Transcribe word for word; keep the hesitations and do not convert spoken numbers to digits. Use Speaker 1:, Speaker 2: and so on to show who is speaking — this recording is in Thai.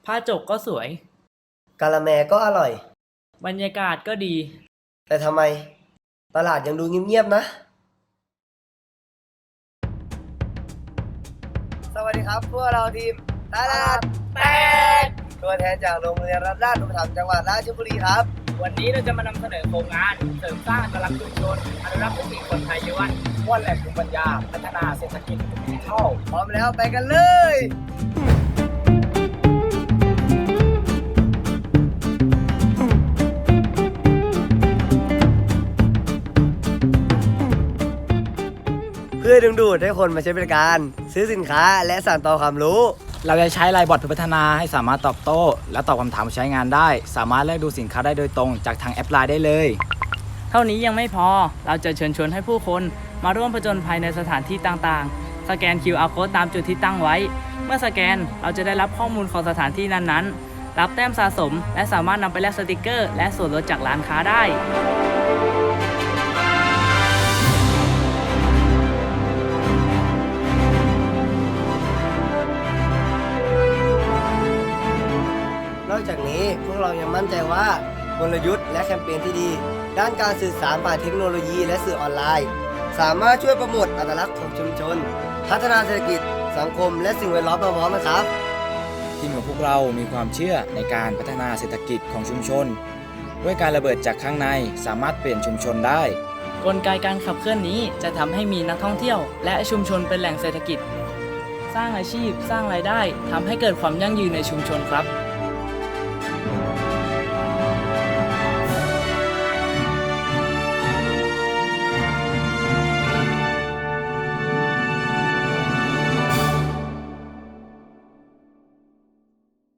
Speaker 1: ผ้าจกก็สวย
Speaker 2: กะละแมก็อร่อย
Speaker 1: บรรยากาศก็ดี
Speaker 2: แต่ทำไม ตลาดยังดูเงียบๆนะ สวัสดีครับพวกเราทีมตลาดแตกตัวแทนจากโรงเรียนรัฐราชอุปถัมภ์จังหวัดราชบุรีครับ
Speaker 1: วันนี้เราจะมานำเสนอโครงงานเสริมสร้างอัตลักษณ์ชุมชนอนุรักษ์วิถีคนไทยยวนม้วนแหล่งภูมิปัญญาพัฒนาเศรษฐกิจดิจิทัล
Speaker 2: พร้อมแล้วไปกันเลย เพื่อดึงดูดให้คนมาใช้บริการ ซื้อสินค้าและสานต่อความรู้
Speaker 3: เราจะใช้ไลน์บอทเพื่อพัฒนาให้สามารถตอบโต้ และตอบคำถามผู้ใช้งานได้ สามารถเลือกดูสินค้าได้โดยตรงจากทางแอปไลน์ได้เลย
Speaker 1: เท่านี้ยังไม่พอ เราจะเชิญชวนให้ผู้คนมาร่วมผจญภัยในสถานที่ต่างๆ สแกน คิว อาร์ Code ตามจุดที่ตั้งไว้ เมื่อสแกนเราจะได้รับข้อมูลของสถานที่นั้นๆ รับแต้มสะสม และสามารถนำไปแลกสติกเกอร์ และส่วนลดจากร้านค้าได้
Speaker 2: นอกจากนี้พวกเรายังมั่นใจว่ากลยุทธ์และแคมเปญที่ดี ด้านการสื่อสารผ่านเทคโนโลยีและสื่อออนไลน์ สามารถช่วยโปรโมทอัตลักษณ์ของชุมชน พัฒนาเศรษฐกิจสังคมและสิ่งแวดล้อมพร้อมๆกันครับ
Speaker 3: ทีมของพวกเรามีความเชื่อในการพัฒนาเศรษฐกิจของชุมชน ด้วยการระเบิดจากข้างในสามารถเปลี่ยนชุมชนได้
Speaker 1: กลไกการขับเคลื่อนนี้จะทำให้มีนักท่องเที่ยว และชุมชนเป็นแหล่งเศรษฐกิจ สร้างอาชีพ สร้างรายได้ทำให้เกิดความยั่งยืนในชุมชนครับ